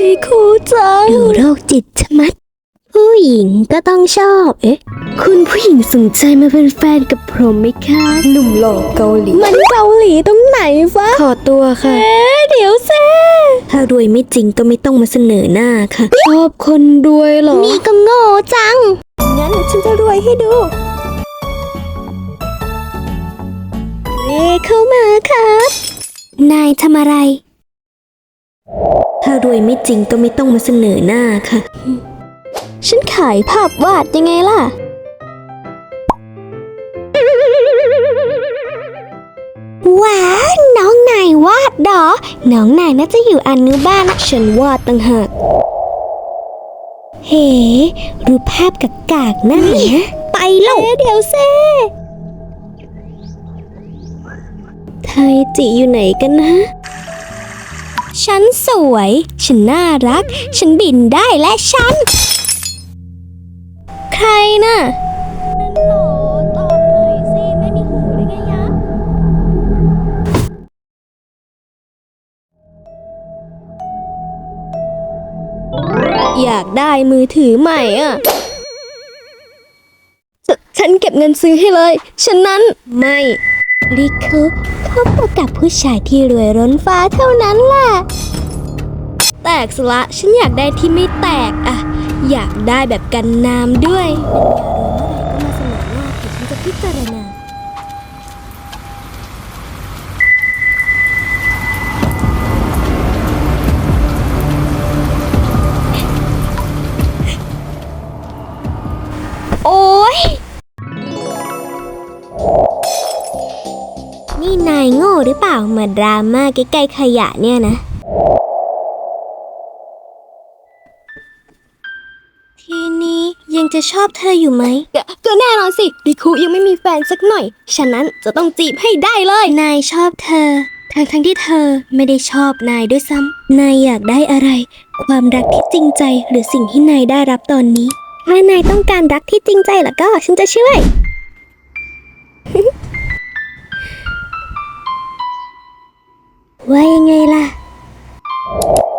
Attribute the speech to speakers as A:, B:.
A: ริคูจังดูโรคจิตชะมัดผู้หญิงก็ต้องชอบคุณผู้หญิงสนใจมาเป็นแฟนกับผมไหมคะหนุ่มหล่อเกาหลีมันเกาหลีตรงไหนฟะขอตัวค่ะเดี๋ยวแซ่ถ้ารวยไม่จริงก็ไม่ต้องมาเสนอหน้าค่ะชอบคนรวยเหรอนี่ก็โง่จังงั้นฉันจะรวยให้ดูเข้ามาครับนายทำอะไรถ้ารวยไม่จริงก็ไม่ต้องมาเสนอหน้าค่ะฉันขายภาพวาดยังไงล่ะว้าวน้องนายวาดเหรอน้องนายน่าจะอยู่อนุบาลนะฉันวาดต่างหากเฮ้รูปภาพกากๆนั่นนะไปแล้วเดี๋ยวเซ่ไทยจิอยู่ไหนกันนะฉันสวยฉันน่ารักฉันบินได้และฉันใครน่ะนั่นหรอตอบหน่อยสิไม่มีหูได้ไงยะอยากได้มือถือใหม่อ่ะฉันเก็บเงินซื้อให้เลยฉะนั้นไม่ริคุเขาพบกับผู้ชายที่รวยล้นฟ้าเท่านั้นแหละแตกสละฉันอยากได้ที่ไม่แตกอะอยากได้แบบกันน้ำด้วยเป็นยารู้เมื่อไหร่ก็มาเสนอหน้าเดี๋ยวฉันจะพิจารณาโอ๊ยนี่นายโง่หรือเปล่ามาดราม่าใกล้ๆขยะเนี่ยนะทีนี้ยังจะชอบเธออยู่ไหมก็แน่นอนสิริคุยังไม่มีแฟนสักหน่อยฉะนั้นจะต้องจีบให้ได้เลยนายชอบเธอทั้งที่เธอไม่ได้ชอบนายด้วยซ้ำนายอยากได้อะไรความรักที่จริงใจหรือสิ่งที่นายได้รับตอนนี้ถ้านายต้องการรักที่จริงใจล่ะก็ฉันจะช่วย ว่ายังไงล่ะ